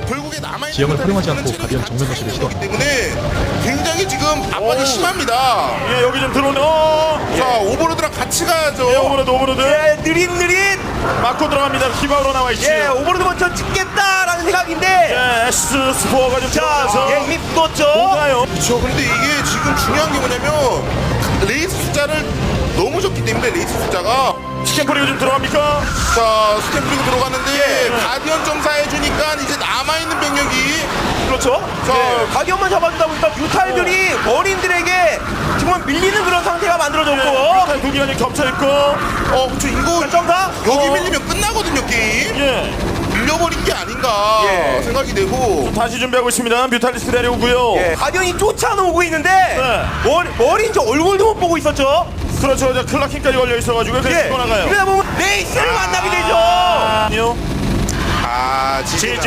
결국에 남아있는 지형을 활용하지 않고 가디언 정면 거시를 시도. 때문에 굉장히 지금 압박이 심합니다. 예, 여기 좀 들어오네. 자, 오버로드랑 같이 가야죠. 예, 오버로드. 예, 느릿 맞고 들어갑니다. 히바우로 나와 있지. 예, 오버로드 먼저 찍겠다라는 생각인데 예, S 스포어가 좀 자, 들어가서 예, 이미 붙었죠. 뭔가요? 그렇죠. 그런데 이게 지금 중요한 게 뭐냐면 레이스 숫자를 너무 적기 때문에 레이스 숫자가 스캔프리가 좀 들어갑니까? 자, 스캔 뿌리고 들어갔는데 예. 가디언 점사해주니까 이제 남아있는 병력이 그렇죠. 자, 예, 가디언만 잡아주다 보니까 뮤탈들이 머린들에게 정말 밀리는 그런 상태가 만들어졌고 두 기관이 겹쳐있고. 그쵸, 이거 점사 여기 밀리면 끝나거든요, 게임. 예. 밀려버린 게 아닌가 예. 생각이 되고. 다시 준비하고 있습니다. 뮤탈리스트 내려오고요. 예, 가디언이 쫓아오고 있는데 네. 머린 저 얼굴도 못 보고 있었죠. 그렇죠. 저 클라킹까지 걸려 있어가지고 그래서 예, 치고 나가요. 이러다 보면 레이스를 만나게 되죠. 아니요. 지지